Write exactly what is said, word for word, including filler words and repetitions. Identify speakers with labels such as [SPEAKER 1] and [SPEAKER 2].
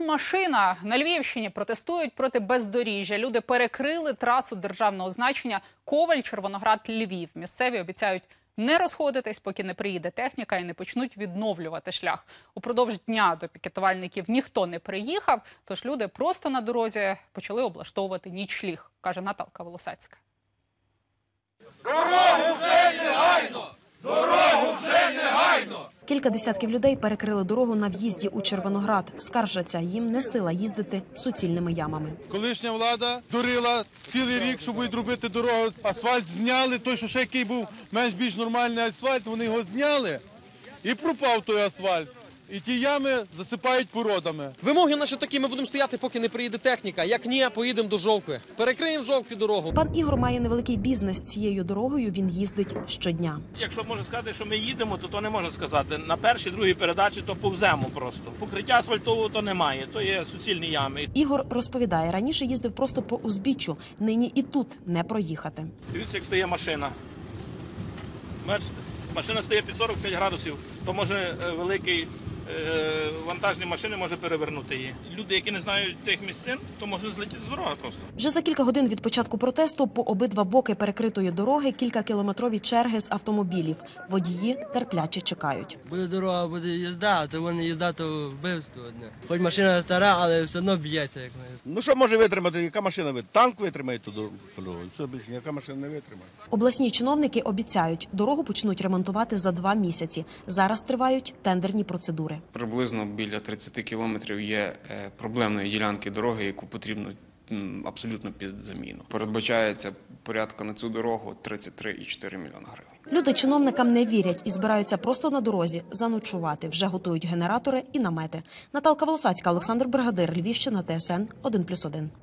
[SPEAKER 1] машина. На Львівщині протестують проти бездоріжжя. Люди перекрили трасу державного значення Коваль-Червоноград-Львів. Місцеві обіцяють не розходитись, поки не приїде техніка і не почнуть відновлювати шлях. Упродовж дня до пікетувальників ніхто не приїхав, тож люди просто на дорозі почали облаштовувати нічліг, каже Наталка Волосацька.
[SPEAKER 2] Дорогу вже негайно! Дорогу вже негайно!
[SPEAKER 3] Кілька десятків людей перекрили дорогу на в'їзді у Червоноград. Скаржаться, їм не сила їздити суцільними ямами.
[SPEAKER 4] Колишня влада дурила цілий рік, щоб будуть робити дорогу. Асфальт зняли, той, що ще який був менш-більш нормальний асфальт, вони його зняли і пропав той асфальт. І ті ями засипають породами.
[SPEAKER 5] Вимоги наші такі, ми будемо стояти, поки не приїде техніка. Як ні, поїдемо до Жовкви. Перекриємо в Жовкві дорогу.
[SPEAKER 3] Пан Ігор має невеликий бізнес. Цією дорогою він їздить щодня.
[SPEAKER 6] Якщо можна сказати, що ми їдемо, то то не можна сказати. На першій, другій передачі то повземо просто. Покриття асфальтового то немає, то є суцільні ями.
[SPEAKER 3] Ігор розповідає, раніше їздив просто по узбіччю, нині і тут не проїхати.
[SPEAKER 6] Дивіться, як стає машина. Бачите, машина стає під сорок п'ять градусів, то може великий вантажні машини може перевернути її. Люди, які не знають тих місцин, то можуть злетіти з дороги просто.
[SPEAKER 3] Вже за кілька годин від початку протесту по обидва боки перекритої дороги кількакілометрові черги з автомобілів. Водії терпляче чекають.
[SPEAKER 7] Буде дорога, буде їзда, а то вони їзда, то вбивство одне. Хоч машина стара, але все одно б'ється. Як
[SPEAKER 8] ну що може витримати, яка машина витримає? Танк витримає ту дорогу, все більше ніяка машина не витримає.
[SPEAKER 3] Обласні чиновники обіцяють, дорогу почнуть ремонтувати за два місяці. Зараз тривають тендерні процедури.
[SPEAKER 9] Приблизно біля тридцяти кілометрів є проблемної ділянки дороги, яку потрібно абсолютно під заміну. Передбачається порядка на цю дорогу тридцять три цілих чотири мільйона гривень.
[SPEAKER 3] Люди чиновникам не вірять і збираються просто на дорозі заночувати. Вже готують генератори і намети. Наталка Волосацька, Олександр Бригадир, Львівщина, Т С Н один плюс один.